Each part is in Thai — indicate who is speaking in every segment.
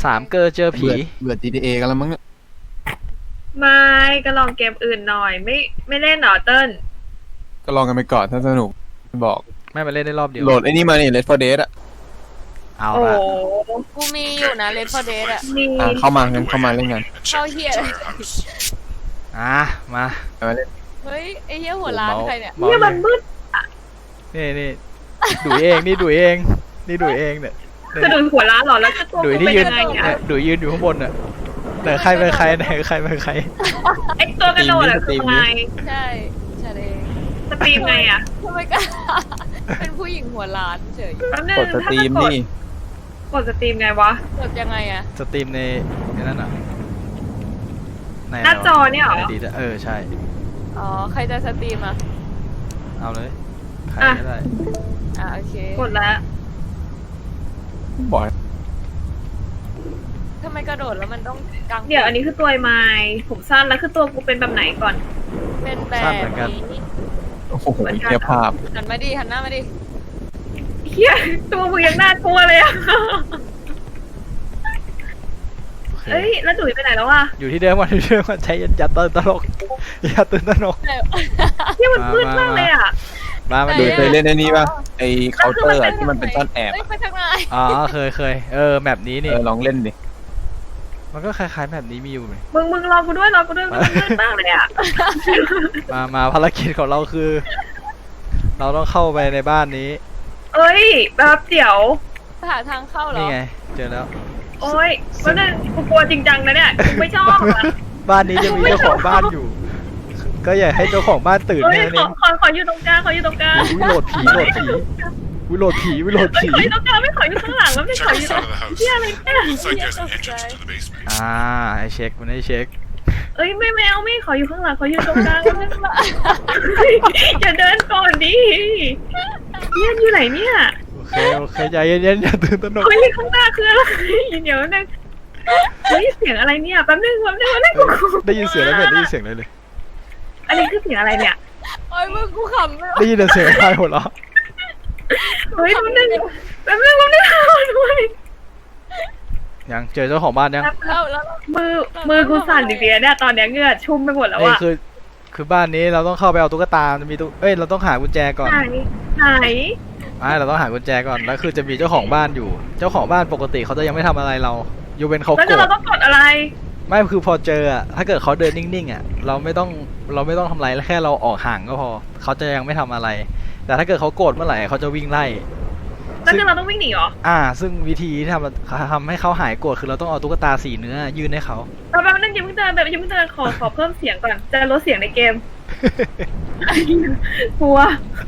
Speaker 1: 3 เกอร์เจอผี
Speaker 2: เบื่อ GTA กันแล้วมั้งเนี่ย
Speaker 3: ไม่ก็ลองเกมอื่นหน่อยไม่เล่นหรอเติ้ล
Speaker 2: ก็ลองกันไปก่อนถ้าสนุกบอก
Speaker 1: ไม่มาเล่นได้รอบเดียว
Speaker 2: โหลดไอ้นี่มานี่ Left 4 Dead อะ
Speaker 1: เอา
Speaker 3: โอ้
Speaker 1: ละ
Speaker 4: กูมีอยู่นะเลฟเดสอ่ะ
Speaker 3: มี
Speaker 2: เข้ามางั้นเข้ามาเล่นกัน
Speaker 4: เข้าเฮีย
Speaker 1: มา
Speaker 2: มาเล่น
Speaker 4: เฮ้ยไอเฮียหัวร้านใครเนี่ย
Speaker 3: เนี่ยมันมืด
Speaker 1: นี่ดุยเองนี่ดุยเองนี่ดุยเองเนี่ย
Speaker 3: คือดุยหัวร้านหรอแล้วก็ตัวกูเป็นยังไงอ่ะ
Speaker 1: ดุยยืนอยู่ข้างบนน่ะไหนใครเป็นใครไหนใครเป็นใคร
Speaker 3: ไอตัวกระโดดอะคือไง
Speaker 4: ใช่ฉันเอง
Speaker 3: สตรีมไงอ่ะ
Speaker 4: ทำไมกันเป็นผู้หญิงหัวร้านเฉย
Speaker 2: กดสตรีมนี่
Speaker 3: กดสตรีมไงวะ
Speaker 4: กดยังไงอะ
Speaker 1: สตรีมในนั่นอ่ะ
Speaker 3: หน้าจอเนี่ยเหรอ
Speaker 1: ใช่
Speaker 4: อ๋อใครจะสตรีมอะ
Speaker 1: เอาเลยใครก็ได้
Speaker 4: โอเค
Speaker 3: กดแล้ว
Speaker 2: บอก
Speaker 4: ทำไมกระโดดแล้วมันต้องกาง
Speaker 3: เดี๋ยวอันนี้คือตัวไม้ผมสั้นแล้วคือตัวกูเป็นแบบไหนก่อน
Speaker 4: เป็นแบบนี้
Speaker 2: โอ้โหเฮียภาพ
Speaker 4: หันมาดิหันหน้ามาดิ
Speaker 3: เฮียตัวมึงยังน่ากลัวเลยอ่ะเอ้ยแล้วดุยไปไหนแล้ววะ
Speaker 1: อยู่ที่เดิมวันใช้อย่าตื่นตลก
Speaker 3: ที่มันมืดมากเลยอ่ะ
Speaker 1: มา
Speaker 2: ดูเคยเล่นไอ้นี่ป่ะไอ้เคาน์เตอร์ที่มันเป็นซ่อนแอบ
Speaker 1: อ๋อเคยแมปนี้นี่
Speaker 2: ลองเล่นดิ
Speaker 1: มันก็คล้ายๆแบบนี้มีอยู่ไหม
Speaker 3: มึงรอกูด้วยมันมืดมากเลยอ่ะ
Speaker 1: มาภารกิจของเราคือ เราต้องเข้าไปในบ้านนี้
Speaker 3: เอ้ยแบบเดี๋ยว
Speaker 4: หาทางเข้าเหรอ
Speaker 1: นี่ไงเจอแล้ว
Speaker 3: โอ้ยมันนั่นกูกลัวจริงจังนะเนี่ยกูไม่ชอบ
Speaker 1: บ้านนี้จะมีเจ้าของบ้านอยู่ ก็อย่าให้เจ้าของบ้านตื่นแน่
Speaker 3: นี่ขออยู่ตรงกลางขออยู่ตรงกลาง
Speaker 1: วิโรดผีวิโรดผีขออยู่
Speaker 3: ตรงกลางไม่ขออยู่ข้างหลังแล้วไม่ขออยู่เฮียอะไรเนี่ย
Speaker 1: ให้เช็คมันให้เช็ค
Speaker 3: เอ้ยไม่เอาไม่ขออยู่ข้างหลังขออยู่ตรงกลางอย่าเดินก่อนดิเฮียอยู่ไหนเนี่ย
Speaker 1: โอเคใจเย็นๆอย่าตื่นตระหนก
Speaker 3: เฮ้ยข้างหน้าคืออะไรเดี๋ยวนึงเฮ้ยเสียงอะไรเนี่ยแป๊บนึง
Speaker 1: ได้ยินเสียงแล้วได้ยินเสียงเลย
Speaker 3: อันนี้คือเสียงอะไรเนี่ย
Speaker 4: โอ้ยมึงกูขำ
Speaker 1: ได้ยินเสียงใครหัวเราะ
Speaker 3: เฮ้ยแป๊บนึงด้วย
Speaker 1: ยังเจอเจ้าของบ้านยัง
Speaker 4: แล้ว
Speaker 3: มือกูสั่นดิเนี่ยตอนนี้เหงื่อชุ่มไปหมดแล้วอะ
Speaker 1: คือบ้านนี้เราต้องเข้าไปเอาตุ๊กตาจะมีเราต้องหากุญแจก่อน
Speaker 3: ไหน
Speaker 1: เราต้องหากุญแจก่อนแล้วคือจะมีเจ้าของบ้านอยู่เจ้าของบ้านปกติเขาจะยังไม่ทำอะไรเราอยู่เป็นเขาโกรธ
Speaker 3: แล้วเราต้องกดอะไร
Speaker 1: ไม่คือพอเจออะถ้าเกิดเขาเดินนิ่งๆอะเราไม่ต้องทำอะไรแค่เราออกห่างก็พอเขาจะยังไม่ทำอะไรแต่ถ้าเกิดเขาโกรธเมื่อไหร่เขาจะวิ่งไล่
Speaker 3: แล้วเราต้องวิ่งหนีเหรอ
Speaker 1: ซึ่งวิธีที่ทำให้เขาหายโกรธคือเราต้องเอาตุ๊กตาสีเนื้อยื่นให้เขา
Speaker 3: แบบนั้นยังเพิ่งเดินขอเพิ่มเสียงก่อนจะลดเสียงในเกมกลัว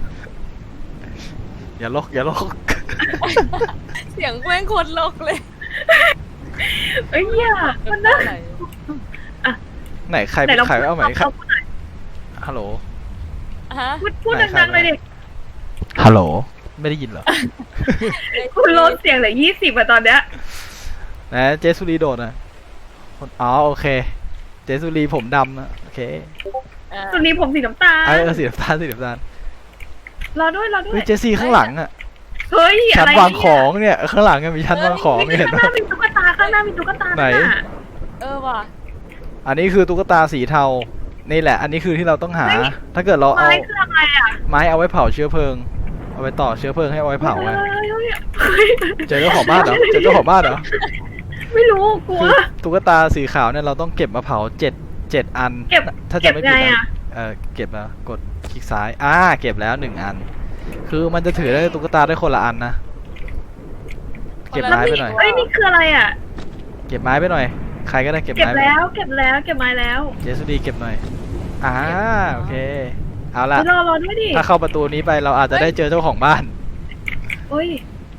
Speaker 1: อย่าลก
Speaker 4: เสียงแม่งโคตรลกเลย
Speaker 3: เอ้ยมันน่า
Speaker 1: ไหนใครเอาไหมฮัลโหล
Speaker 3: พูดดังๆเลยดิ
Speaker 1: ฮัลโหลไม่ได้ยินเหรอ
Speaker 3: คุณลดเสียงเหลือ20อะตอนเนี้ย
Speaker 1: นะเจสุรีโดดนะอ๋อโอเคเจสุรีผมดำนะโอเค
Speaker 3: สุรีผมสีน้ำตาล
Speaker 1: สีน้ำตาล
Speaker 3: รอด้วย
Speaker 1: เจซี่ข้างหลังอะ
Speaker 3: เฮ้ย
Speaker 1: ชั้นวางของเนี่ยข้างหลังมีชั้นวางของ
Speaker 3: เห็นไหมข้างหน้ามีตุ๊กตา
Speaker 1: ไหน
Speaker 4: ว่ะ
Speaker 1: อันนี้คือตุ๊กตาสีเทานี่แหละอันนี้คือที่เราต้องหาถ้าเกิดเราเอาไม้เอาไว้เผาเชื้อเพลิงเอาไปต่อเชื้อเพลิงให้เอาไว้เผาไงเจอเจ้าของบ้านเหรอ
Speaker 3: ไม่รู้กลัว
Speaker 1: ตุ๊กตาสีขาวเนี่ยเราต้องเก็บมาเผา7อันถ้าจะไม่ผิดนะเก็บแล้วกดคลิกซ้ายเก็บแล้ว1อันคือมันจะถือได้ตุ๊กตาได้คนละอันนะเก็บไม้ไปหน่อย
Speaker 3: เอ้ยนี่คืออะไรอ่ะ
Speaker 1: เก็บไม้ไปหน่อยใครก็ได้เก็บไม้
Speaker 3: แล้วเก็บไม้แล้ว
Speaker 1: เจสุดีเก็บหน่อยโอเคเอาละ
Speaker 3: รอด้วยดิ
Speaker 1: ถ้าเข้าประตูนี้ไปเราอาจจะได้เจอเจ้าของบ้าน
Speaker 3: โอ้ย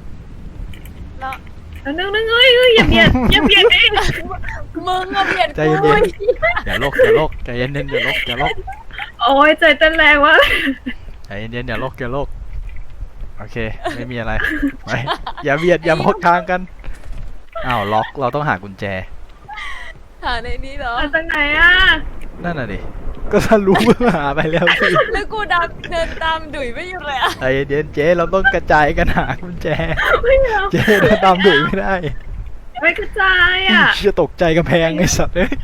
Speaker 3: แล้วนึงอย่าเบียดดิ
Speaker 4: มึงเบียด
Speaker 1: ใจเย็นๆอย่าลกใจเย็นอย่าลก
Speaker 3: โอ้ยใจเต้นแรงวะ
Speaker 1: ใจเย็นอย่าลกโอเคไม่มีอะไรไปอย่าเบียดอย่ามองทางกันล็อกเราต้องหากุญแจ
Speaker 4: หาในนี้เหรอ
Speaker 3: จากไหน
Speaker 1: นั่นน่ะดิก็ถ้ารู้เมื่อหาไปแล้วสิ
Speaker 4: แล้วกูเดินตามดุยไม่หยุดเลย
Speaker 1: ใจเย็นเจ๊เราต้องกระจายกันหากุญแจเจ๊เดินตามดุยไม่ได้
Speaker 3: ไม่กระจายอ่ะ
Speaker 1: เชี่ยตกใจกำแพงไอ้สัตว์เอ้ย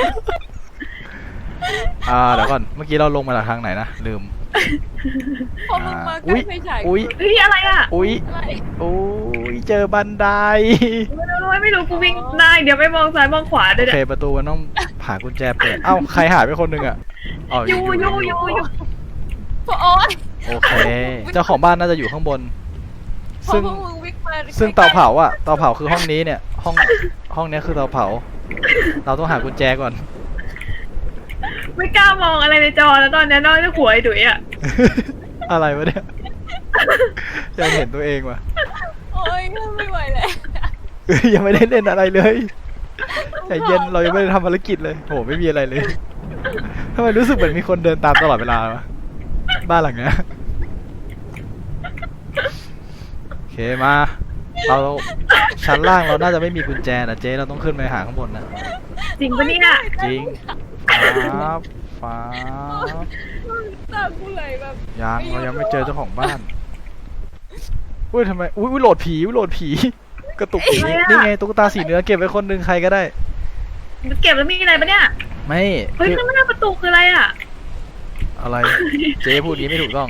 Speaker 1: เดี๋ยวก่อนเมื่อกี้เราลงมาจากทางไหนนะลืม
Speaker 4: พอมึงมาใกล้ไฟฉาย
Speaker 1: อุ้ย
Speaker 3: เฮ้ยอะไรอ่ะ
Speaker 1: อุ้ย
Speaker 4: อะไร
Speaker 1: อุ้ยเจอบันได
Speaker 3: ไม่รู้กูวิ่งได้เดี๋ยวไปมองซ้ายมองขวา
Speaker 1: โอ
Speaker 3: ด้วย
Speaker 1: เคประตูมันต้องหากุญแจเปิดเอ้าใครหายไปคนหนึ่งอ่ะอ๋อ
Speaker 3: อยู่
Speaker 4: พอโอ๊ย
Speaker 1: โอเค เจ้าของบ้านน่าจะอยู่ข้างบน
Speaker 4: พอ
Speaker 1: ซึ่ง
Speaker 4: พวกมึงวิ่งมา
Speaker 1: ซึ่งเตาเผาอ่ะเตาเผาคือห้องนี้เนี่ยห้องเนี้ยคือเตาเผา เราต้องหากุญแจก่อน
Speaker 3: ไม่กล้ามองอะไรในจอแล้วตอนนี้นอกจากหัวไอ้ดุ๋ยอ่ะ
Speaker 1: อะไรวะเนี่ยยังเห็นตัวเองว่ะ
Speaker 4: โอ๊ยไม่ไหวแล้ว
Speaker 1: ยังไม่ได้เล่นอะไรเลยใจเย็นเรายังไม่ได้ทำภารกิจเลยโหไม่มีอะไรเลยทำไมรู้สึกเหมือนมีคนเดินตามตลอดเวลาวะบ้านหลังเนี้ยโอเคมาเราชั้นล่างเราน่าจะไม่มีกุญแจนะเจ๊เราต้องขึ้นไปหาข้างบนนะ
Speaker 3: จริงปะเนี่ย
Speaker 1: จริงฟ้า
Speaker 4: ตากูไหลแบบ
Speaker 1: เรายังไม่เจอเจ้าของบ้านอุ้ยทำไมอุ้ยโหลดผีกระตุกผีนี่ไงตุ๊กตาสีเนื้อเก็บไว้คนหนึ่งใครก็ได้
Speaker 3: เก็บแล้วมีอะไรปะเนี่ย
Speaker 1: ไม่
Speaker 3: เฮ้ย
Speaker 1: คือ
Speaker 3: ข้างหน้าประตูคืออะไรอ่ะ
Speaker 1: อะไรเจ๊พูดนี้ไม่ถูกต้อง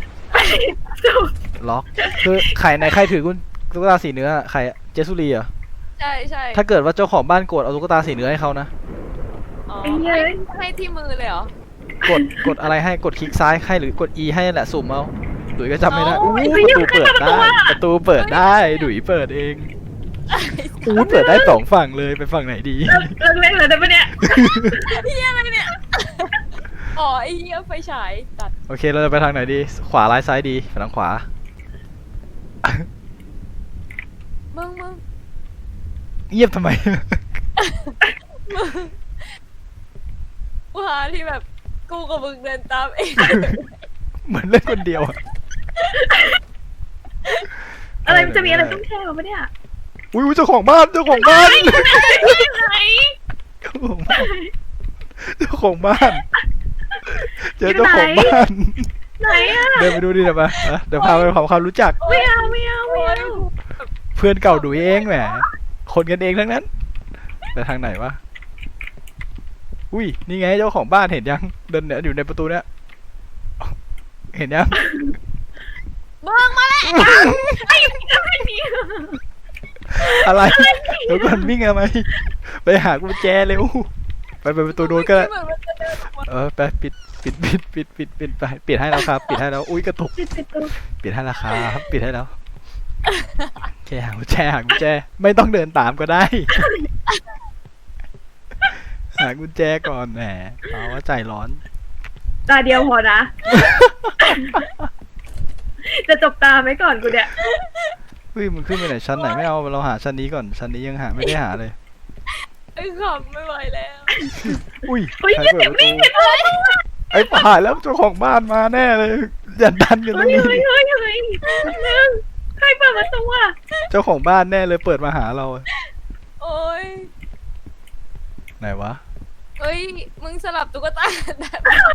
Speaker 1: ล็อกคือใครถือกุญตุ๊กตาสีเนื้อใครเจสุรีเหรอ
Speaker 4: ใช่
Speaker 1: ถ้าเกิดว่าเจ้าของบ้านโกรธเอาตุ๊กตาสีเนื้อให้เขานะ
Speaker 4: อ๋อให้ที่มือเลยเหรอก
Speaker 1: ดอะไรให้กดคลิกซ้ายให้หรือกด E ให้แหละสุ่มเอาดุยก็จำไม่ได้
Speaker 4: โอ้
Speaker 1: อู้
Speaker 4: ย
Speaker 1: ประตูเปิดได้ดุยเปิดเองอู้เปิดได้สองฝั่งเลยไปฝั่งไหนดี
Speaker 3: เลิกเล่นเลยได้ปะเนี่ย
Speaker 4: เฮียอะไรเนี่ยอ๋อไอ้เฮียไฟฉายตัด
Speaker 1: โอเคเราจะไปทางไหนดีขวาร้ายซ้ายดีไปทางขวา
Speaker 4: มึง
Speaker 1: เงียบทำไม
Speaker 4: กูหาที่แบบกูกับมึงเดินตามเอง
Speaker 1: เหมือนเล่นคนเดียวอะ
Speaker 3: อะไรมันจะมีอะไรต้องแช่ปะเนี่ย
Speaker 1: อุ้ยเจ้าของบ้านเจ้าของบ้าน
Speaker 3: ไหน
Speaker 1: เจ้าของบ้านเจ้าของบ้านเจอเจ้าของบ้าน
Speaker 3: ไหนอ่ะ
Speaker 1: เดินไปดูดิเดี๋ยวมาเดี๋ยวพาไปทำความรู้จัก
Speaker 3: ไม่เอา
Speaker 1: เพื่อนเก่าดุยเองแหมคนกันเองทั้งนั้นไปทางไหนวะอุ้ยนี่ไงเจ้าของบ้านเห็นยังเดินเนี่ยอยู่ในประตูเนี่ยเห็นยัง
Speaker 4: มึงมาแล้ว
Speaker 1: อะไรเดี๋ยวก่อนวิ่งทำไมไปหากุญแจเร็วไปประตูโน้นก็ได้ไปปิดไปปิดให้แล้วครับปิดให้แล้วอุ้ยกระตุกปิดให้แล้วครับปิดให้แล้วแค่หากุญแจไม่ต้องเดินตามก็ได้ หากุญแจก่อนแหมเอาว่าใจร้อน
Speaker 3: ตาเดียวพอนะ จะจบตาไหมก่อนกูเนี่ย
Speaker 1: เฮ้ยมันขึ้นไปไหนชั้นไหนไม่เอาเราหาชั้นนี้ก่อนชั้นนี้ยังหาไม่ได้หาเลย
Speaker 4: ไอ้ขำไม่ไหวแล้ว
Speaker 1: อุ้ย
Speaker 3: เฮ้ย
Speaker 1: ใคร
Speaker 3: อย่า
Speaker 1: เปิ
Speaker 3: เก็
Speaker 1: ด
Speaker 3: บ
Speaker 1: ประตู
Speaker 3: นี่เก็บเลย
Speaker 1: ไอ้ผ่านแล้วเจ้าของบ้านมาแน่เลยอย่าดันกันตร
Speaker 3: เฮ้
Speaker 1: ง
Speaker 3: ย
Speaker 1: นี้
Speaker 3: ใครเปิดประตูอ่ะ
Speaker 1: เจ้าของบ้านแน่เลยเปิดมาหาเรา
Speaker 4: โอ๊ย
Speaker 1: ไหนวะ
Speaker 4: เอ้ยมึงสลับตุ๊กตาได้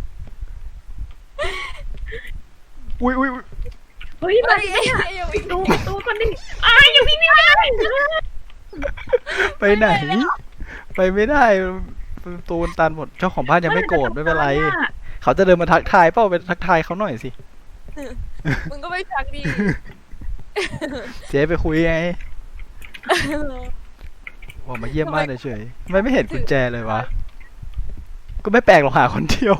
Speaker 1: อุ้ย
Speaker 3: เฮ้ยมา
Speaker 4: เฮ้ยอย่าวิ่ง
Speaker 3: ดูประตูคนนี้อย่าพี่นี่ไม่ได้
Speaker 1: ไปไหน ไปไม่ได้ประตูมันตันหมดเจ้าของบ้านยังไม่โกรธไม่เป็นไร เขาจะเดินมาทักทายเปล่าไปทักทายเขาหน่อยสิ
Speaker 4: มึงก็ไม่ชักดี
Speaker 1: เจ๊ไปคุยไงบอกมาเยี่ยมบ้านเฉยๆทำไมไม่เห็นกุญแจเลยวะก็ไม่แปลกหรอกหาคนเดียว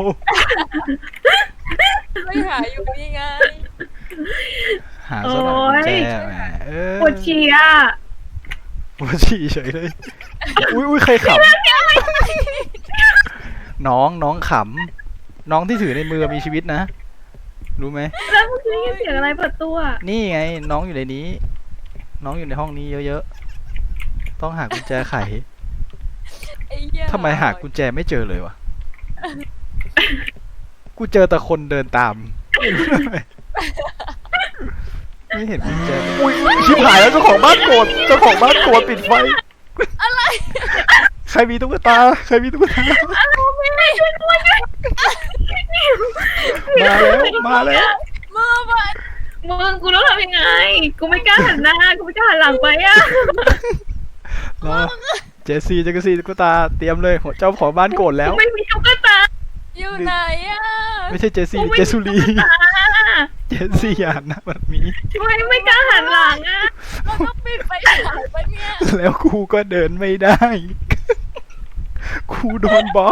Speaker 4: ไม่หาอยู่นี่ไง
Speaker 1: หาซะหน่อยกุญแจแหม
Speaker 3: ปวดฉี่อ่ะ
Speaker 1: ปวดฉี่เฉยเลย อุ้ยใครขำน้องขำน้องที่ถือในมือมีชีวิตนะรู้ไหม
Speaker 3: แล้วเมื่อกี้เสียงอะไรเปิดตัว
Speaker 1: นี่ไงน้องอยู่ในนี้ น้องอยู่ในห้องนี้เยอะๆต้องหากุญแจไข
Speaker 4: ไอ้เหี้ย
Speaker 1: ทำไมหากุญแจไม่เจอเลยวะกูเจอแต่คนเดินตามไม่เห็นกุญแจอุ้ยชิบหายแล้วเจ้าของบ้านโกรธปิดไฟอะไรใครมีตุ๊กตามาแล้ว
Speaker 4: มือมัน
Speaker 3: มึงกูต้องทำยังไง กูไม่กล้าหันหน้า กูไม่กล้าหันหลังไปอ่ะ
Speaker 1: รเจสซี่ตุ๊กตาเตรียมเลยเจ้าของบ้านโกรธแล้ว
Speaker 3: ไม่มีตุ๊กตา
Speaker 4: อยู่ไหนอ่ะ
Speaker 1: ไม่ใช่เจสซี่เจสุรีเจสซี่อ่านนะมันมี
Speaker 3: ไม่กล้าหันหลังอ่ะ
Speaker 4: เราต้องปิดไฟฉายปะเนี่ย
Speaker 1: แล้วครูก็เดินไม่ได้ ครูโดนบล็อก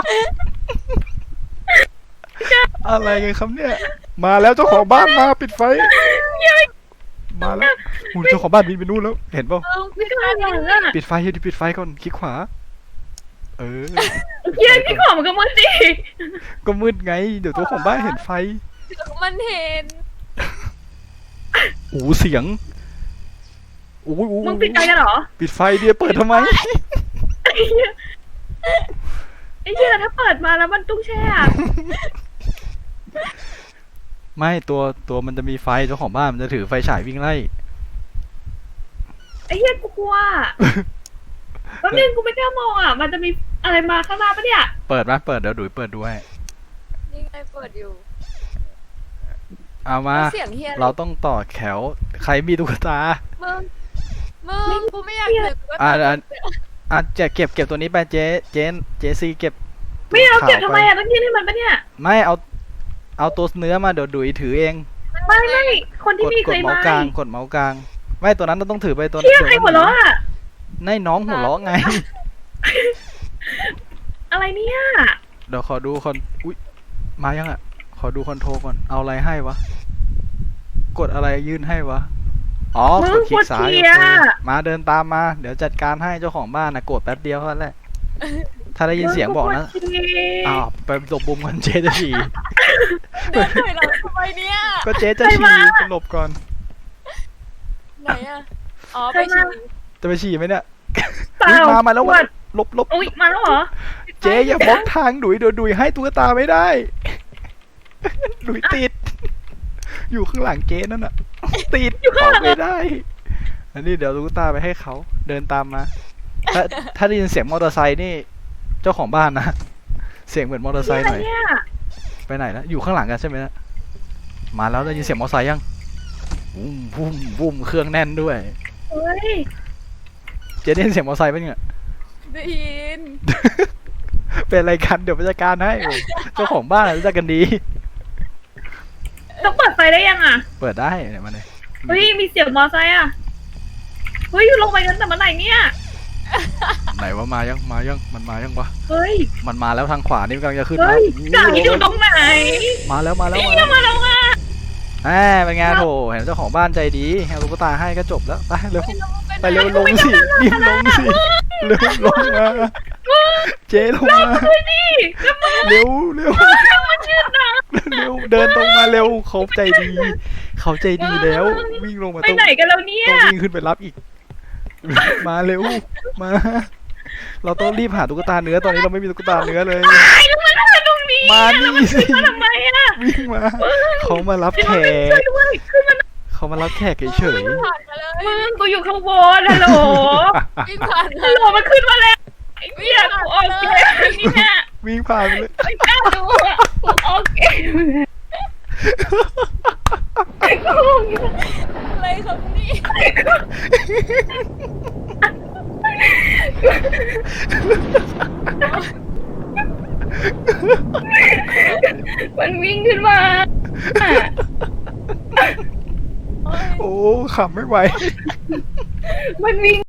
Speaker 1: อะไรกันครับเนี่ย มาแล้วเจ้าของบ้านมาปิดไฟ มาแล้วหูเจ้าของบ้านบินไปนู่นแล้ว เห็นเปล่า
Speaker 3: ไม่กล้าหันหลังอ่ะ
Speaker 1: ปิดไฟดิปิดไฟก่อนคลิกขวา เออ
Speaker 3: เฮียพี่ของมันก็มันดิ
Speaker 1: ก็มืดไง เดี๋ยวเจ้าของบ้านเห็นไฟ
Speaker 4: มันเห็น
Speaker 1: โอ้เสียงโอ้ย
Speaker 3: มึงปิดไฟกันเหรอ
Speaker 1: ปิดไฟเดียวเปิดทำไม
Speaker 3: ไอ้เหี้ยถ้าเปิดมาแล้วมันตุ้งแช่อะ
Speaker 1: ไม่ตัวมันจะมีไฟเจ้าของบ้านมันจะถือไฟฉายวิ่งไล่
Speaker 3: ไอ้เหี้ยกูกลัวแป๊บนึงกูไม่กล้ามองอ่ะ มันจะมีอะไรมาข้างหน้าปะเนี่ย
Speaker 1: เปิดไหมเปิดเดี๋ยวดุยเปิดดูให้
Speaker 4: นี่ไงเปิดอยู่
Speaker 1: เอามา
Speaker 4: เสียงเฮีย
Speaker 1: เราต้องต่อแถวใครมีตุ๊กตา
Speaker 4: มึงกูไม่อยากเจอกูก็
Speaker 1: จะเก็บตัวนี้ไปเจซีเก็บ
Speaker 3: ไม่เอาเก็บ
Speaker 1: ขว
Speaker 3: ทำไมอ่ะต้องยื่นให้มันปะเนี่ย
Speaker 1: ไม่เอาตัวเนื้อมาเดี๋ยวดุยถือเอง
Speaker 3: ไม่คนที่มี
Speaker 1: ก
Speaker 3: เค
Speaker 1: ด
Speaker 3: ย
Speaker 1: เมาส์กลางกดเมาส์กลางไม่ตัวนั้นเราต้องถือไปตัว
Speaker 3: เชี่ยใครหัวเราะอ่ะ
Speaker 1: ในน้องหัวเราะไง
Speaker 3: อะไรเนี่ย
Speaker 1: เดี๋ยวขอดูอุ๊ยมายังอ่ะขอดูคอนโทรลก่อนเอาอะไรให้วะกดอะไรยื่นให้วะอ๋อกดคลิกซ้ายโอเคมาเดินตามมาเดี๋ยวจัดการให้เจ้าของบ้านนะกดแป๊บเดียวเท่านั้นแหละถ้าได้ยินเสียงบอกนะอ้าวไปหลบบุมกันเจ๊จะฉี่
Speaker 4: เดินถอยหลังทำไมเนี่ย
Speaker 1: ก็เจ๊จะฉี่จะหลบก่อน
Speaker 4: ไหนอ่ะอ๋อไปฉี่
Speaker 1: จะไปฉี่ไหมเนี่ย
Speaker 3: เปล่า
Speaker 1: อุ๊ยมาแล้ว
Speaker 3: ปวด
Speaker 1: หลบ
Speaker 3: อุ้ยมาแล้วเหรอ
Speaker 1: เจ๊อย่าบล็อกทางดุยให้ตุ๊กตาไม่ได้ ดุยติด อยู่ข้างหลังเจ๊นั่นน่ะ ติดออกไม่ได้ อันนี้เดี๋ยวตุ๊กตาไปให้เขาเดินตามมา ถ้าได้ยินเสียงมอเตอร์ไซค์นี่ เจ้าของบ้านนะ เสียงเหมือนมอเตอร์ไซค์หน่อย
Speaker 3: เนี่ย
Speaker 1: ไปไหนแล้วอยู่ข้างหลังกันใช่ไหมนะมาแล้วได้ยินเสียงมอเตอร์ไซค์ยังวุ้มเครื่องแน่นด้วย
Speaker 3: เฮ้ย
Speaker 1: เจ๊ได้ยินเสียงมอเตอร์ไซค์ปะเนี่ย
Speaker 4: ได้ยิน
Speaker 1: เป็นอะไรกันเดี๋ยวไปจัดการให้ เจ้าของบ้านรู้จักกันดี
Speaker 3: ต้องเปิดไฟได้ยังอ่ะ
Speaker 1: เปิดได้เนี่ยมาเลย
Speaker 3: เฮ้ยมีเสียงมอไซค์อ่ะเฮ้ยลงไปกันแต่เมื่อไหร่เนี่ย
Speaker 1: ไหนว่ามายังมันมายังวะ
Speaker 3: เฮ้ย
Speaker 1: มันมาแล้วทางขวานี่มันกำลังจะขึ้น
Speaker 3: เฮ้
Speaker 1: แล้ว
Speaker 3: ยจ่ายอยู่ตรงไหน
Speaker 1: มาแล้ว
Speaker 3: นี่มาแล้วอ่ะ
Speaker 1: แหมเป็นไงโถเห็นเจ้าของบ้านใจดีเอาตุ๊กตาให้ก็จบแล้วไปเร็วไปเร็วลงสิรีบลงสิเร็วลงมาเจ๊ลงมา
Speaker 3: เฮ้ยนี่แล้วมึง
Speaker 1: เร็ว
Speaker 3: มันยืดนะ
Speaker 1: เร็วเดินตรงมาเร็วเขาใจดีแล้ววิ่งลงมา
Speaker 3: ไปไหนกันแล้วเนี่ย
Speaker 1: ต้องวิ่งขึ้นไปรับอีก มาเร็วมา เราต้องรีบหาตุ๊กตาเนื้อตอนนี้เราไม่มีตุ๊กตาเนื้อเลย
Speaker 3: ไอ้แล้วมันทำไมตรงนี้
Speaker 1: มานี่สิ
Speaker 3: มาทำไมอ่ะ
Speaker 1: วิ่งมาเขามารับแข
Speaker 3: ช่วย
Speaker 1: ก
Speaker 3: ด้วยขึ้นมา
Speaker 1: เขามารับแขกเฉย
Speaker 4: ผ่านมาเลย
Speaker 3: มึงกูอยู่ข้างบนฮัลโหล
Speaker 4: วิ่งผ่านมา
Speaker 3: ฮัลโหลมันขึ้นมาแล้วไอ้เหี้ยกูออกเกมนี่เนี่ย
Speaker 1: ๆวิ่งผ่านไปเลย
Speaker 3: ไม่กล้าดูอ่ะกูออกเกม
Speaker 4: อะไรครับนี่
Speaker 3: มันวิ่งขึ้นมา
Speaker 1: โอ้ขำไม่ไหว
Speaker 3: มันวิ่ง